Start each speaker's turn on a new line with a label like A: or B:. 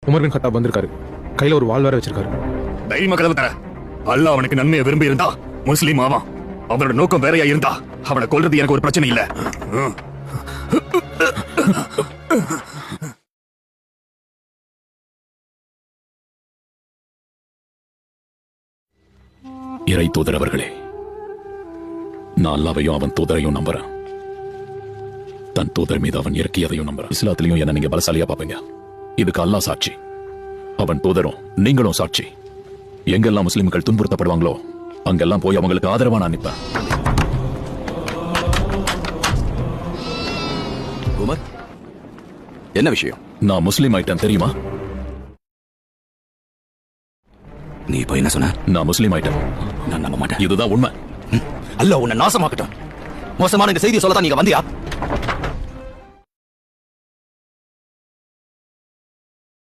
A: Umar பின் கத்தாப் வந்திருக்காரு. கையில ஒரு வாள் வேற வச்சிருக்காரு.
B: தைரியமா கதவு தர. அல்லாஹ் அவனுக்கு நன்மையை விரும்பி இருந்தா முஸ்லீம் ஆவான். அவனோட நோக்கம் வேறையா இருந்தா அவனை கொல்றது எனக்கு ஒரு பிரச்சனை இல்ல.
C: இறை தூதர் அவர்களே, நான் அல்லாவையும் அவன் தூதரையும் நம்புறேன். தன் தூதர் மீது அவன் இறக்கியதையும் நம்புறேன். இஸ்லாத்திலையும் என்ன நீங்க பலசாலியா பாப்பீங்க. இதுக்கு அல்லாஹ் சாட்சி, அவன் தூதரும் நீங்களும் சாட்சி. எங்கெல்லாம் முஸ்லிம்கள் துன்புறுத்தப்படுவாங்களோ அங்கெல்லாம் போய் அவங்களுக்கு ஆதரவா நான் நிற்பேன்.
D: உமர், என்ன விஷயம்?
C: நான் முஸ்லீம் ஆயிட்டேன் தெரியுமா?
D: நீ இப்ப என்ன சொன்ன?
C: நான் முஸ்லீம் ஆயிட்டேன்.
D: நான் நம்ப மாட்டேன்.
C: இதுதான் உண்மை.
D: அல்லாஹ் உன்னை நாசமாக்கட்டும். மோசமான இந்த செய்தியை சொல்லத்தான் நீங்க வந்தியா?